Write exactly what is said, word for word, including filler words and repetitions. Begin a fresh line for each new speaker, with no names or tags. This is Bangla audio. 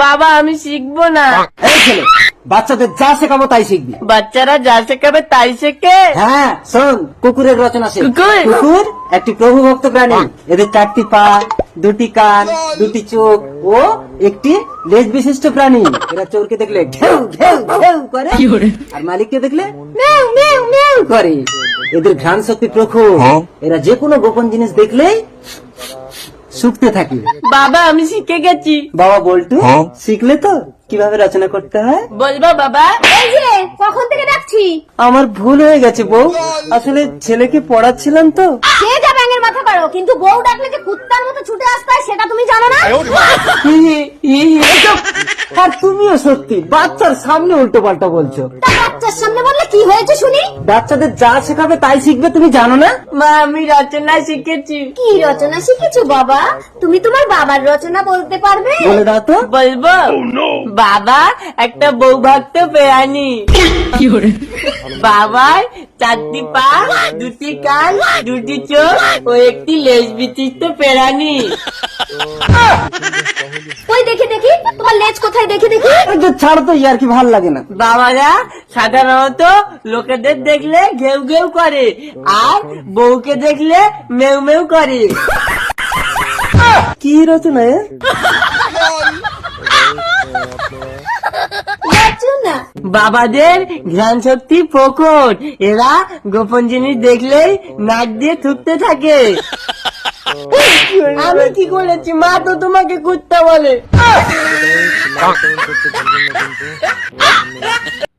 বাবা আমি শিখবো না।
এই ছেলে, বাচ্চাদের যা শেখাবো তাই শিখবি।
বাচ্চারা যা শেখাবে তাই শেখে।
হ্যাঁ শোন, কুকুরের রচনা শেখ।
কুকুর?
কুকুর একটি প্রভুভক্ত প্রাণী। এদের চারটি পা, দুটি কান, দুটি চোখ ও একটি লেজ বিশিষ্ট প্রাণী। এরা চোরকে দেখলে ঘেউ ঘেউ ঘেউ করে, আর মালিককে দেখলে মেউ মেউ মেউ করে। এদের ঘ্রাণ শক্তি প্রখর। এরা যে কোনো গোপন জিনিস দেখলেই শুকতে থাকে।
বাবা আমি শিখে গেছি।
বাবা বল্টু, শিখলে তো কিভাবে রচনা করতে হয়?
বলবো বাবা?
এই যে কখন থেকে ডাকছি।
আমার ভুল হয়ে গেছে বউ, আসলে ছেলেকে পড়াচ্ছিলাম তো।
সে যা ব্যাঙের মাথা পারো, কিন্তু বউ ডাকলে যে কুত্তার মতো ছুটে আসতে হয় সেটা তুমি জানো না?
হি হি, হি হি, এসব। আর তুমিও সত্যি বাচ্চার সামনে উল্টো পাল্টা বলছো।
তা বাচ্চার সামনে বললে কি হয়েছে শুনি?
বাচ্চাদের যা শেখাবে তাই শিখবে, তুমি জানো না?
মা আমি রচনা শিখেছি।
কি রচনা শিখেছো বাবা? তুমি তোমার বাবার রচনা বলতে পারবে?
বলে দাও তো।
বলবো? বাবা একটা বউ ভক্ত প্রাণী। বাবার চারটি পা, দুটি কান, দুটি চোখ ও একটি লেজ বিশিষ্ট প্রাণী।
ওই দেখে দেখি তোমার লেজ কোথায়, দেখে দেখি।
এই যে ছাড়ো তো, ইয়ার কি ভাল লাগে না।
বাবারা সাধারণত লোকেদের দেখলে ঘেউ ঘেউ করে, আর বউকে দেখলে মেউ মেউ করে।
কি রচনা এ?
রচনা?
বাবাদের জ্ঞান শক্তি প্রখর। এরা গোপন জিনিস দেখলেই নাক দিয়ে থুকতে থাকে। আমি কি করেছি? মা তো তোমাকে কুত্তা বলে।